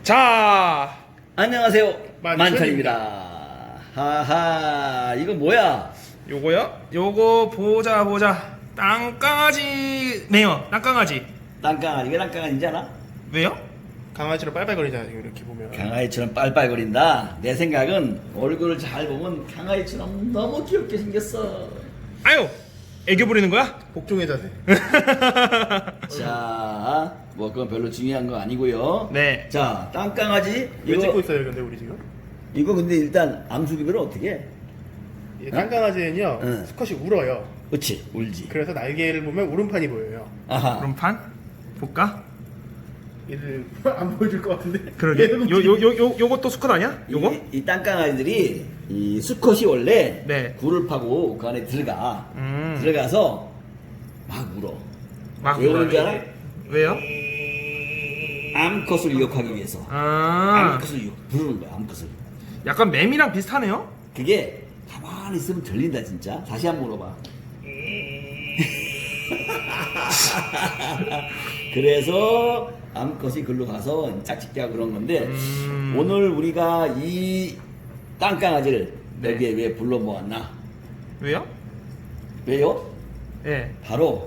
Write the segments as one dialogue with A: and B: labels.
A: 자,
B: 안녕하세요.
C: 만천입니다.
B: 만천입니다. 하하, 이거 뭐야?
A: 요거요? 요거 보자. 땅강아지네요. 땅강아지.
B: 땅강아지. 이게 땅강아지인지 알아?
A: 왜요?
C: 강아지로 빨빨거리잖아 지금 이렇게 보면.
B: 강아지처럼 빨빨거린다. 내 생각은 얼굴을 잘 보면 강아지처럼 너무 귀엽게 생겼어.
A: 아유, 애교 부리는 거야?
C: 복종의 자세.
B: 자, 뭐 그건 별로 중요한 거 아니고요.
A: 네.
B: 자, 땅강아지.
C: 왜 찍고 있어요 근데 우리 지금?
B: 이거 근데 일단 암수기별은 어떻게 해?
C: 이 깡깡아지는요
B: 응.
C: 수컷이 울어요.
B: 그렇지, 울지.
C: 그래서 날개를 보면 울음판이 보여요.
B: 아하.
A: 그럼 판 볼까?
C: 얘를 안 보여줄 것 같은데.
A: 그러게.
C: 얘는
A: 요것도 수컷 아니야? 요거?
B: 이 땅강아지들이 이 수컷이 원래
A: 네.
B: 굴을 파고 그 안에 들어가.
A: 음.
B: 들어가서 막 울어.
A: 막
B: 왜 우는 줄 알아?
A: 왜요?
B: 암컷을 유혹하기 위해서.
A: 아,
B: 암컷을 부르는 거야, 암컷을.
A: 약간 매미랑 비슷하네요.
B: 그게 가만히 있으면 들린다, 진짜. 다시 한번 물어봐. 그래서 암컷이 글로 가서 짝짓기 하고 그런 건데, 오늘 우리가 이 땅강아지를
A: 네.
B: 여기에 왜 불러 모았나?
A: 왜요?
B: 왜요?
A: 예.
B: 바로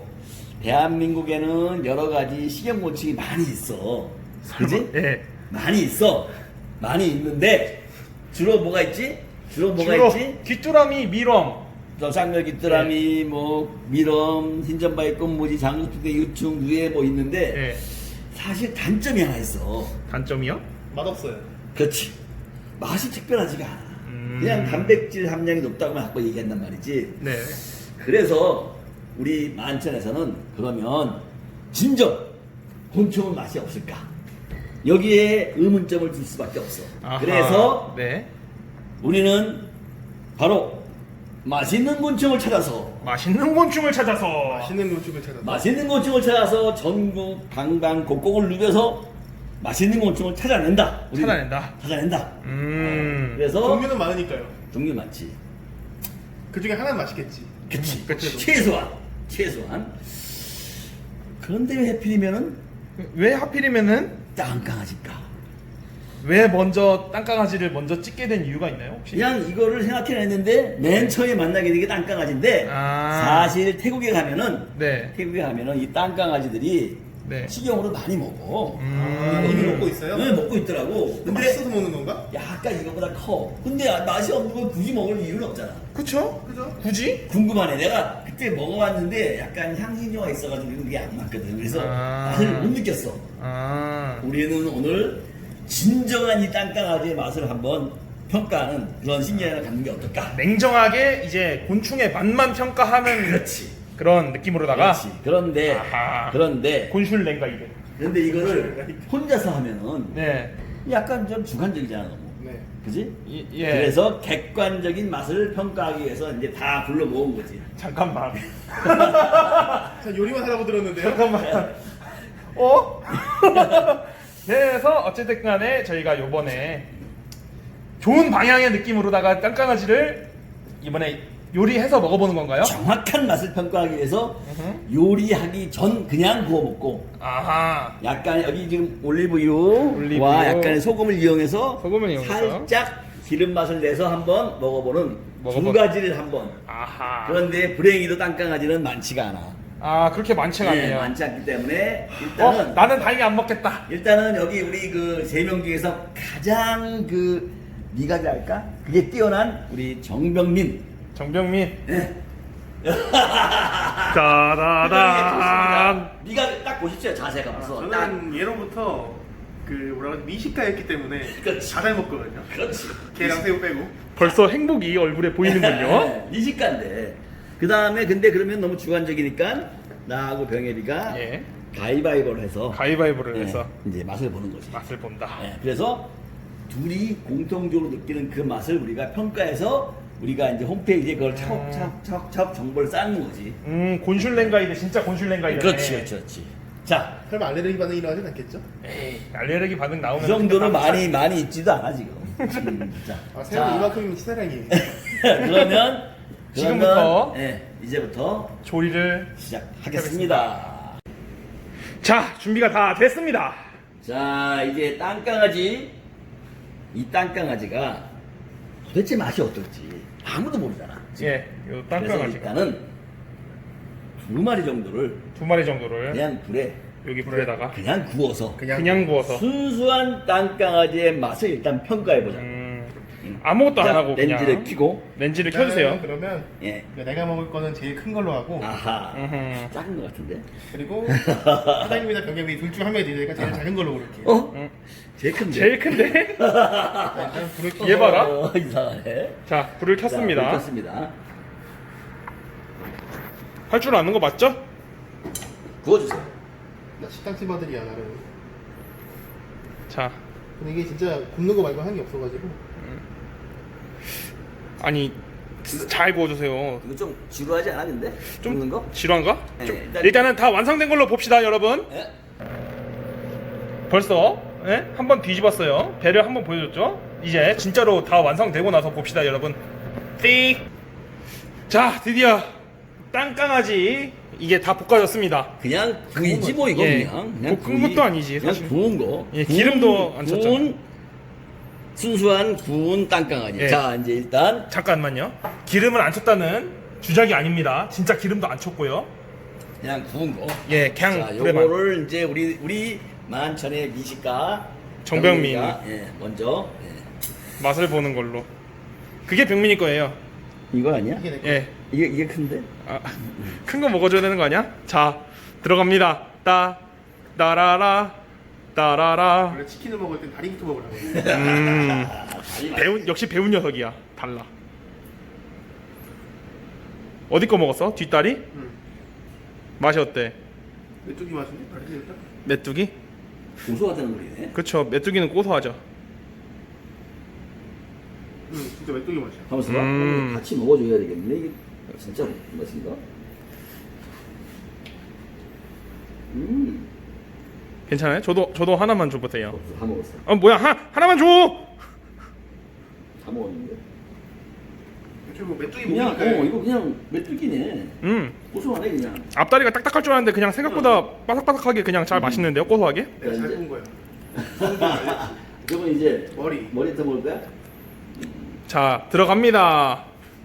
B: 대한민국에는 여러 가지 식용곤충이 많이 있어. 그지?
A: 예.
B: 많이 있어. 많이 있는데 주로 뭐가 있지? 주로 뭐가
A: 주로
B: 있지?
A: 귀뚜라미, 미럼.
B: 쌍멸귀뚜라미, 뭐 미럼, 흰점바위 꽃무지, 장수풍뎅이, 유충, 누에 뭐 있는데
A: 예.
B: 사실 단점이 하나 있어.
A: 단점이요?
C: 맛없어요.
B: 그렇지. 맛이 특별하지가 않아.
A: 음.
B: 그냥 단백질 함량이 높다고만 자꾸 얘기한단 말이지.
A: 네.
B: 그래서 우리 만천에서는 그러면 진정 곤충은 맛이 없을까? 여기에 의문점을 둘 수밖에 없어.
A: 아하.
B: 그래서
A: 네.
B: 우리는 바로 맛있는 곤충을 찾아서
A: 맛있는 곤충을 찾아서
C: 맛있는 곤충을 찾아서.
B: 맛있는 곤충을 찾아서 전국 방방곡곡을 누벼서 맛있는 곤충을 찾아낸다. 우리는.
A: 찾아낸다.
B: 찾아낸다. 그래서
C: 종류는 많으니까요.
B: 종류 많지.
C: 그 중에 하나는 맛있겠지.
B: 그치.
A: 그치.
B: 최소한. 그런데 왜 하필이면은
A: 왜 하필이면은
B: 땅강아지일까?
A: 왜 먼저 땅강아지를 먼저 찍게 된 이유가 있나요 혹시?
B: 그냥 이거를 생각해냈는데 맨 처음에 만나게 된 게 땅강아지인데
A: 아.
B: 사실 태국에 가면은
A: 네.
B: 이 땅강아지들이
A: 네.
B: 식용으로 많이 먹어.
C: 아, 이미 먹고 있어요?
B: 네, 먹고 있더라고. 근데
C: 맛있어서 먹는 건가?
B: 약간 이거보다 커. 근데 맛이 없는 걸 굳이 먹을 이유는 없잖아.
A: 그쵸?
C: 그죠?
A: 굳이?
B: 궁금하네. 내가 그때 먹어봤는데 약간 향신료가 있어가지고 그게 안 맞거든. 그래서
A: 아.
B: 맛을 못 느꼈어.
A: 아.
B: 우리는 오늘 진정한 이 땅강아지의 맛을 한번 평가하는 그런 신기함을 갖는 게 어떨까?
A: 냉정하게 이제 곤충의 맛만 평가하는
B: 그렇지.
A: 그런 느낌으로다가
B: 그렇지. 그런데
A: 아하.
B: 그런데
A: 곤슐랭가 이래.
B: 이거를 혼자서 하면은
A: 네.
B: 약간 좀 주관적이잖아. 너무.
C: 네.
B: 그지?
A: 예.
B: 그래서 객관적인 맛을 평가하기 위해서 이제 다 불러 모은 거지.
A: 잠깐만.
C: 자 요리만 하라고 들었는데요.
A: 잠깐만. 어? 그래서 어쨌든 간에 저희가 요번에 좋은 방향의 느낌으로다가 땅강아지를 이번에 요리해서 먹어보는 건가요?
B: 정확한 맛을 평가하기 위해서 요리하기 전 그냥 구워 먹고
A: 아하.
B: 약간 여기 지금 올리브유와
A: 올리브유.
B: 약간의 소금을 이용해서
A: 소금을 이용해서.
B: 살짝 기름 맛을 내서 한번 먹어보는 두
A: 먹어보-
B: 가지를 한번.
A: 아하.
B: 그런데 불행히도 땅강아지는 많지가 않아.
A: 아, 그렇게 많지가
B: 네,
A: 않네요.
B: 많지 않기 때문에 일단은
A: 나는 다행히 안 먹겠다.
B: 일단은 여기 우리 그 세 명 중에서 가장 그 미각이랄까? 그게 뛰어난 우리 정병민.
A: 정병민.
B: 네.
A: 짜라란.
B: 미각 딱 보십시오. 자세가 벌써. 딱.
C: 저는 예로부터 그 뭐라 그러지 미식가였기 때문에
B: 그렇지.
C: 다 잘 먹거든요.
B: 그렇지.
C: 게랑 새우 빼고.
A: 벌써 행복이 얼굴에 보이는군요.
B: 네, 미식가인데. 그 다음에 근데 그러면 너무 주관적이니까 나하고 병혜리가
A: 예.
B: 가위바위보를 해서
A: 가위바위보를
B: 네,
A: 해서
B: 이제 맛을 보는 거지.
A: 맛을 본다.
B: 네, 그래서 둘이 공통적으로 느끼는 그 맛을 우리가 평가해서 우리가 이제 홈페이지에 그걸 차곡차곡 정보를 쌓는 거지.
A: 곤슐랭가이드 진짜 곤슐랭가이드.
B: 그렇지. 자,
C: 설마 알레르기 반응이 일어나진 않겠죠?
A: 에이, 알레르기 반응 나오면
B: 그 정도는
A: 근데
B: 많이 있지도 않아 지금. 자,
C: 아 새우는 이만큼이면 치사량이에요.
B: 그러면
A: 지금부터
B: 이제부터
A: 조리를
B: 시작하겠습니다.
A: 자, 준비가 다 됐습니다.
B: 자, 이제 땅강아지. 이 땅강아지가 도대체 맛이 어떨지 아무도 모르잖아.
A: 예, 요
B: 그래서
A: 땅강아지가
B: 일단은 2마리 정도를
A: 2마리 정도를
B: 그냥 불에
A: 여기 불에다가
B: 그냥 구워서
A: 그냥 구워서
B: 순수한 땅강아지의 맛을 일단 평가해보자.
A: 아무것도 안
B: 자,
A: 하고 그냥
B: 렌즈를 켜고.
A: 렌즈를 켜주세요.
C: 그러면
B: 예.
C: 내가 먹을 거는 제일 큰 걸로 하고
B: 아하.
A: 음흠.
B: 작은 것 같은데.
C: 그리고 사장님이나 병ገብ이 둘 중 한 명이 되니까 제일 작은 걸로 고를게요.
B: 어? 제일 큰데.
A: 제일 큰데?
C: 일단 불을 켜서
A: 얘 봐라.
B: 이상하네.
A: 자, 불을 켰습니다.
B: 자, 불 켰습니다.
A: 할 줄 아는 거 맞죠?
B: 구워주세요.
C: 나 식당집 아들이야 나는.
A: 자,
C: 근데 이게 진짜 굽는 거 말고 하는 게 없어가지고.
A: 아니 잘 구워주세요.
B: 이거 좀 지루하지 않았는데?
A: 좀
B: 굽는 거?
A: 지루한가?
B: 네,
A: 좀,
B: 일단-
A: 일단은 다 완성된 걸로 봅시다, 여러분.
B: 예?
A: 벌써 한번 뒤집었어요. 배를 한번 보여줬죠. 이제 진짜로 다 완성되고 나서 봅시다, 여러분. 띠. 자, 드디어 땅강아지 이게 다 볶아졌습니다.
B: 그냥 구이지 뭐 이거
A: 예.
B: 그냥
A: 볶은 것도 아니지,
B: 그냥
A: 사실.
B: 구운 거.
A: 예, 기름도 안 쳤잖아.
B: 순수한 구운 땅강아지.
A: 예.
B: 자, 이제 일단
A: 잠깐만요. 기름을 안 쳤다는 주작이 아닙니다. 진짜 기름도 안 쳤고요.
B: 그냥 구운 거.
A: 예, 그냥
B: 자,
A: 불에만.
B: 요거를 이제 우리 만천의 미식가
A: 정병민.
B: 병민이가, 예, 먼저 예.
A: 맛을 보는 걸로. 그게 병민이 거예요.
B: 이거 아니야?
C: 이게 내 거.
A: 예.
B: 이게 큰데?
A: 아, 큰 거 먹어줘야 되는 거 아니야? 자, 들어갑니다. 따라라, 따라라.
C: 원래 치킨을 먹을 땐 다리부터 먹으라고.
A: 배운 역시 배운 녀석이야. 달라. 어디 거 먹었어? 뒷다리?
C: 응.
A: 맛이 어때?
C: 메뚜기 맛인데? 다리 일단.
A: 메뚜기?
B: 고소하다는 소리네.
A: 그쵸. 메뚜기는 고소하죠.
C: 응, 진짜 메뚜기 맛이야.
B: 가만있어 봐. 같이 먹어줘야 되겠네. 이게 진짜 맛인가?
A: 괜찮아요? 저도 하나만 줘보세요.
B: 없어, 다 먹었어.
A: 아 뭐야? 하나만 줘.
B: 다 먹었는데.
C: 애초에 뭐 메뚜기
B: 그냥
C: 먹으니까
B: 이거 그냥 메뚜기네. 고소하네 그냥.
A: 앞다리가 딱딱할 줄 알았는데 그냥 생각보다 바삭바삭하게 그냥 잘 맛있는데요? 고소하게?
C: 내가 잘
B: 이제-
C: 구운 거야.
B: 그러면 이제
C: 머리.
B: 더 먹을 거야?
A: 자, 들어갑니다.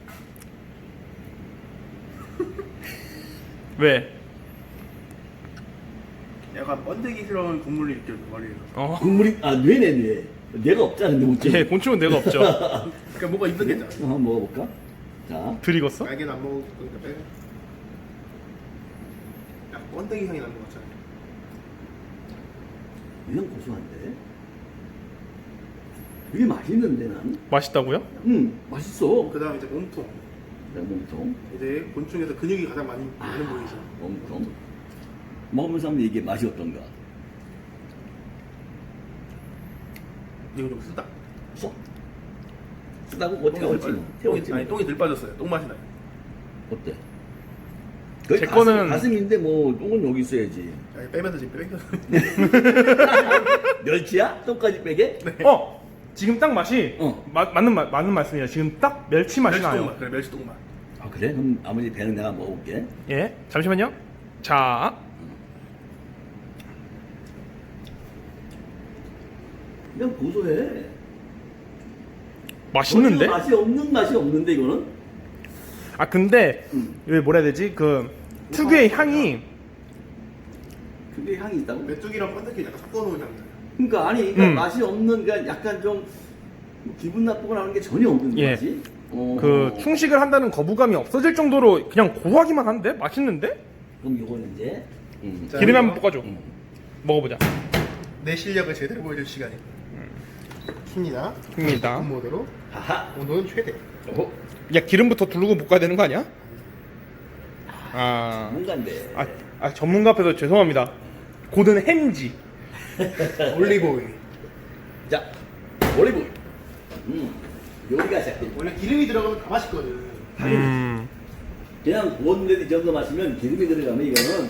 A: 왜?
C: 약간 번데기스러운 국물이 느껴져 머리에서.
B: 국물이 뇌네. 뇌가 없잖아 근데 못
A: 예, 곤충은 내가 없죠.
C: 그러니까 뭐가 있었겠잖아.
B: 한번 먹어볼까? 자,
A: 들익었어?
C: 날개는 안 먹을 거니까 빼. 야, 번데기 향이 나는 것 같잖아.
B: 그냥 고소한데? 되게 맛있는데 난?
A: 맛있다고요?
B: 맛있어.
C: 그 다음 이제 몸통.
B: 몸통.
C: 이제 곤충에서 근육이 가장 많이 많은 부위죠.
B: 몸통. 먹으면서 한번 이게 맛이 어떤가?
C: 이거 좀 쓰다.
B: 써? 쓰다고? 뭐 태웠지 뭐. 태웠지
C: 아니
B: 뭐.
C: 똥이 덜 빠졌어요. 똥 맛이 나요.
B: 어때? 거의
A: 제 거는-
B: 가슴인데 뭐 똥은 여기 있어야지.
C: 아니, 빼면서 지금 뺏겨서.
B: 멸치야? 똥까지 빼게?
A: 지금 딱 맛이 맞는 말씀이에요. 지금 딱 멸치 맛이
C: 멸치똥
A: 나요.
C: 맛. 그래 멸치똥 맛.
B: 아 그래? 그럼 아버지 배는 내가 먹어볼게.
A: 예, 잠시만요. 자,
B: 그냥 고소해.
A: 맛있는데?
B: 전혀 맛이 없는데 이거는?
A: 아 근데 왜 뭐라 해야 되지? 그 특유의 향이
B: 그게 향이 있다고?
C: 메뚜기랑 번데기 약간 섞어놓은 향.
B: 그러니까 아니 맛이 없는 그러니까 약간 좀 기분 나쁘거나 하는 게 전혀 없는
A: 예.
B: 거지.
A: 그 충식을 한다는 거부감이 없어질 정도로 그냥 고소하기만 한데 맛있는데?
B: 그럼 이거는 이제
C: 자,
A: 기름에
C: 이거
A: 한번 볶아줘. 먹어보자.
C: 내 실력을 제대로 보여줄 시간이. 킵니다.
A: 입니다.
C: 모드로
B: 하하.
C: 온도는 최대.
A: 야 기름부터 두르고 볶아야 되는 거 아니야?
B: 뭔가인데.
A: 전문가 앞에서 죄송합니다. 고든 햄지.
C: 올리브 오일.
B: 자, 올리브. 요리가 시작돼.
C: 원래 기름이 들어가면 다 맛있거든.
B: 그냥 구웠는데 이 정도 마시면 기름이 들어가면 이거는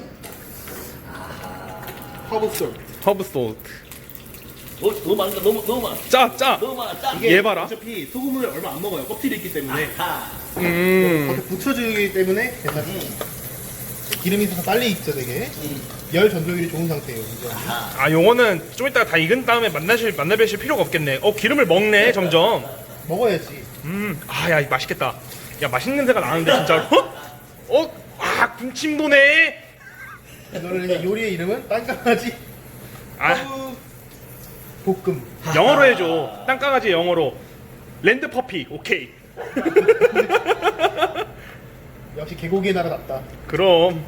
C: 허브 솔.
A: 허브 솔트.
B: 너무 많다. 너무 많아.
A: 짜.
B: 너무 많아. 짜.
A: 얘 봐라.
C: 어차피 소금을 얼마 안 먹어요. 껍질이 있기 때문에.
B: 하.
C: 겉에 붙여주기 때문에 괜찮아. 기름이 더 빨리 익죠 되게. 열 전도율이 좋은 상태예요. 이제.
A: 아 요거는 좀 이따가 다 익은 다음에 만나뵈실 필요가 없겠네. 기름을 먹네 점점.
C: 먹어야지.
A: 아야 맛있겠다. 야 맛있는 냄새가 나는데 진짜로? 군침 도네.
C: 이거를 이제 요리의 이름은 땅강아지
A: 아
C: 볶음.
A: 영어로 해줘. 땅강아지 영어로. 랜드 퍼피. 오케이.
C: 역시 개고기의 나라답다.
A: 그럼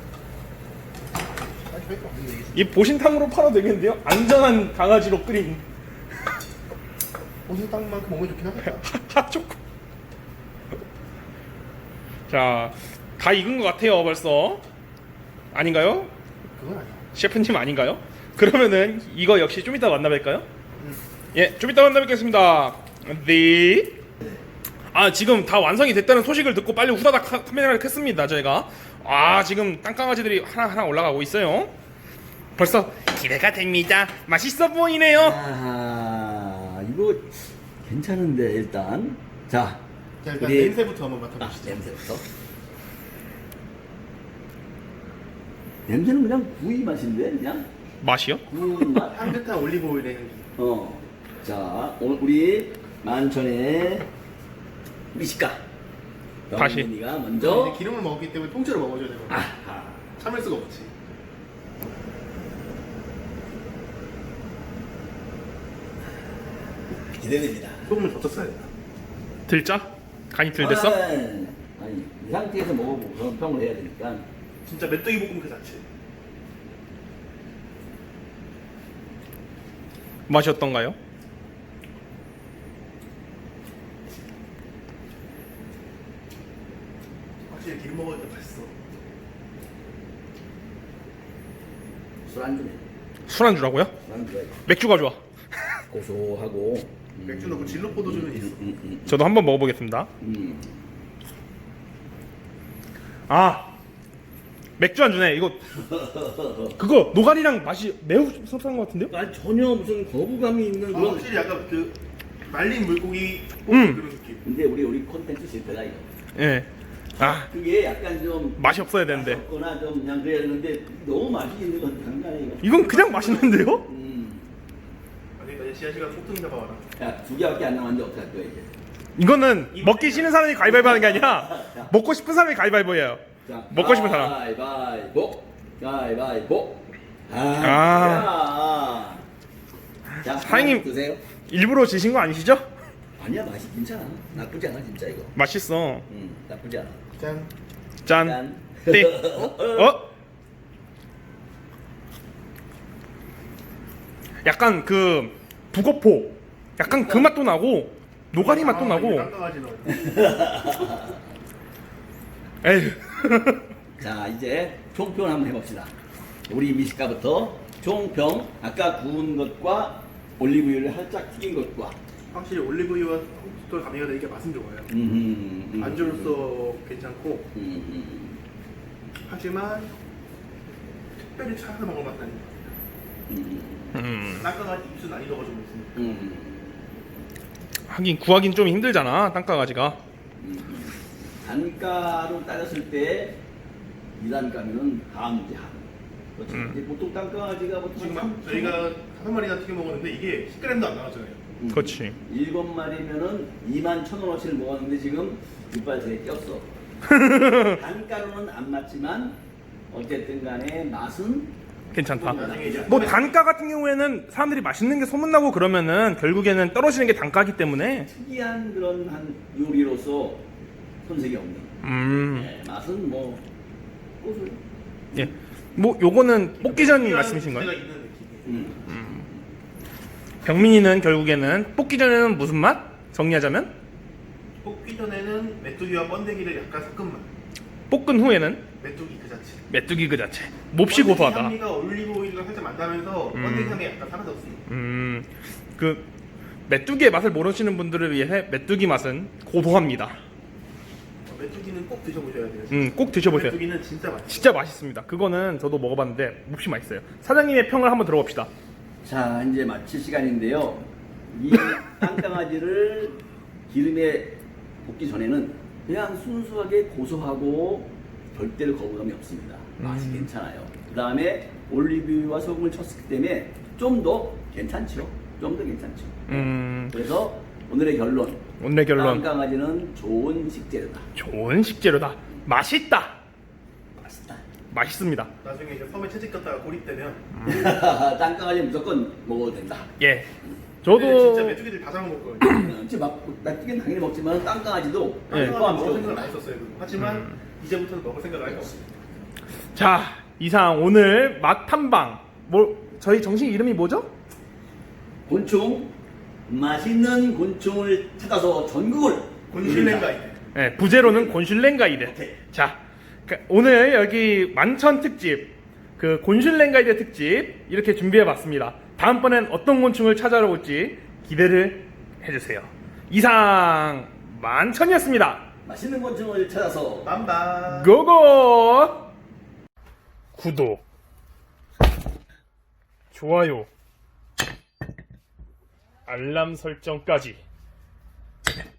A: 이 보신탕으로 팔아도 되겠는데요? 안전한 강아지로 끓인
C: 옷은 땅만큼 몸에 좋긴 하겠다.
A: 핫초코. 자, 다 익은 것 같아요 벌써. 아닌가요?
C: 그건 아니야.
A: 셰프님 아닌가요? 그러면은 이거 역시 좀 이따 만나뵐까요? 예, 좀 이따 만나뵙겠습니다. 네. 지금 다 완성이 됐다는 소식을 듣고 빨리 후다닥 카메라를 켰습니다 저희가. 지금 땅강아지들이 하나하나 올라가고 있어요. 벌써 기대가 됩니다. 맛있어 보이네요.
B: 이거 괜찮은데 일단 자
C: 일단 냄새부터 한번 맡아보시죠.
B: 냄새부터. 냄새는 그냥 구이 맛인데 그냥
A: 맛이요?
B: 구운 맛.
C: 향긋한 올리브 오일의 향기.
B: 자 오늘 우리 만천의 미식가
A: 다시.
B: 병민이가 먼저
C: 이제 기름을 먹기 때문에 통째로 먹어줘야 되거든.
B: 아하.
C: 참을 수가 없지.
B: 기대됩니다.
C: 소금을 더 쳤어야 돼.
A: 들짜? 간이 들 됐어?
B: 아니 이 상태에서 먹어보고 그런 평을 해야 되니까.
C: 진짜 메뚜기 볶음 그 자체.
A: 맛이 어떤가요?
C: 확실히 기름 먹으니까 맛있어.
B: 술안주네.
A: 술안주라고요?
B: 술안주가
A: 맥주가 좋아.
B: 고소하고.
C: 맥주 넣고 진로 포도주는 있어.
A: 저도 한번 먹어보겠습니다. 맥주 안주네. 이거 그거 노가리랑 맛이 매우 섭섭한 것 같은데요?
B: 아니 전혀 무슨 거부감이 있는 그런.
C: 확실히 약간 그 말린 물고기
A: 음.
C: 그런 느낌.
B: 근데 우리 콘텐츠 실패다 이거.
A: 예.
B: 그게 약간 좀
A: 맛이 없어야 되는데.
B: 거나 좀 그냥 그래야 되는데 너무 맛이 있는 건 장난이야 이거.
A: 이건 그냥 맛있는데요?
C: 아니 이제 씨앗이가 폭등 잡아와라.
B: 야, 2개밖에 안 남았는데 어떡할 거야 이제.
A: 이거는 먹기 싫은 사람이 가위바위보 하는 게 아니라 먹고 싶은 사람이 가위바위보예요.
B: 자,
A: 먹고 싶은 사람.
B: 가위바위보. 가위바위보. 자,
A: 사장님.
B: 드세요.
A: 일부러 지신 거 아니시죠?
B: 아니야 맛이 괜찮아. 나쁘지 않아 진짜 이거.
A: 맛있어.
B: 나쁘지 않아.
C: 짠.
A: 짠. 띠. 약간 그 북어포. 약간 그 맛도 나고 노가리 맛도 나고.
C: 땅강아지 넣어.
A: 에휴.
B: 자 이제 총평 한번 해봅시다. 우리 미식가부터 총평. 아까 구운 것과 올리브유를 살짝 튀긴 것과.
C: 확실히 올리브유와 홍수도 가미가 되니까 맛은 좋아요. 안주로서 괜찮고 하지만 특별히 찾아서 먹을 맛은 아닙니다. 땅강아지 입술 난이도가 좀 있습니다.
A: 하긴 구하긴 좀 힘들잖아 땅강아지가.
B: 단가로 따졌을 때 2단가면은 하문제 하문. 그렇죠. 이제 보통 땅강아지가 보통
C: 지금 저희가 5마리나 튀겨 먹었는데 이게 10g도 안 나왔잖아요.
A: 그렇지.
B: 7마리면은 21,000원어치를 먹었는데 지금 육발새에 꼈어. 단가로는 안 맞지만 어쨌든 간에 맛은
A: 괜찮다.
C: 나중에 이제
A: 뭐 단가 같은 경우에는 사람들이 맛있는 게 소문나고 그러면은 결국에는 떨어지는 게 단가기 때문에.
B: 특이한 그런 한 요리로서 손색이 없는. 네, 맛은 뭐 고소해.
A: 예. 뭐 요거는 볶기전 말씀이신가요?
C: 제가 있는 느낌.
A: 병민이는 결국에는 볶기 전에는 무슨 맛? 정리하자면
C: 볶기 전에는 메뚜기와 번데기를 약간 섞은 맛.
A: 볶은 후에는
C: 메뚜기 그 자체.
A: 메뚜기 그 자체. 몹시 고소하다.
C: 향미가 올리브 오일과 살짝 만나면서 번데기 향이 약간 사라졌습니다.
A: 그 메뚜기의 맛을 모르시는 분들을 위해 메뚜기 맛은 고소합니다.
C: 메뚜기는 꼭 드셔보셔야 돼요.
A: 꼭 드셔보세요.
C: 메뚜기는 진짜 맛있어요.
A: 진짜 맛있습니다. 그거는 저도 먹어봤는데 몹시 맛있어요. 사장님의 평을 한번 들어봅시다.
B: 자 이제 마칠 시간인데요. 이 땅강아지를 기름에 볶기 전에는 그냥 순수하게 고소하고 절대로 거부감이 없습니다. 맛이 괜찮아요. 그 다음에 올리브유와 소금을 쳤기 때문에 좀 더 괜찮죠. 좀 더 괜찮죠. 그래서 오늘의 결론.
A: 오늘의 결론.
B: 땅강아지는 좋은 식재료다.
A: 좋은 식재료다. 맛있다.
B: 맛있다.
A: 맛있습니다.
C: 나중에 이제 섬에 채집 갔다가 고립되면
B: 땅강아지 무조건 먹어도 된다.
A: 예.
C: 근데 진짜
A: 저도
C: 메뚜기들 다 잡아먹거든요.
B: 지금 닭튀기는 당연히 먹지만 땅강아지도
A: 네.
C: 한동안 먹을 생각은 안 했었어요. 하지만 이제부터는 먹을 생각을 할 거 없습니다.
A: 자, 이상 오늘 맛 탐방. 저희 정식 이름이 뭐죠?
B: 곤충, 맛있는 곤충을 찾아서 전국을
C: 곤슐랭 가이드.
A: 네, 부제로는 곤슐랭 가이드.
B: 오케이.
A: 자, 오늘 여기 만천 특집, 그 곤슐랭 가이드 특집 이렇게 준비해봤습니다. 다음번엔 어떤 곤충을 찾아러 올지 기대를 해주세요. 이상 만천이었습니다.
B: 맛있는 곤충을 찾아서
C: 빰빰.
A: 고고! 구독, 좋아요, 알람 설정까지.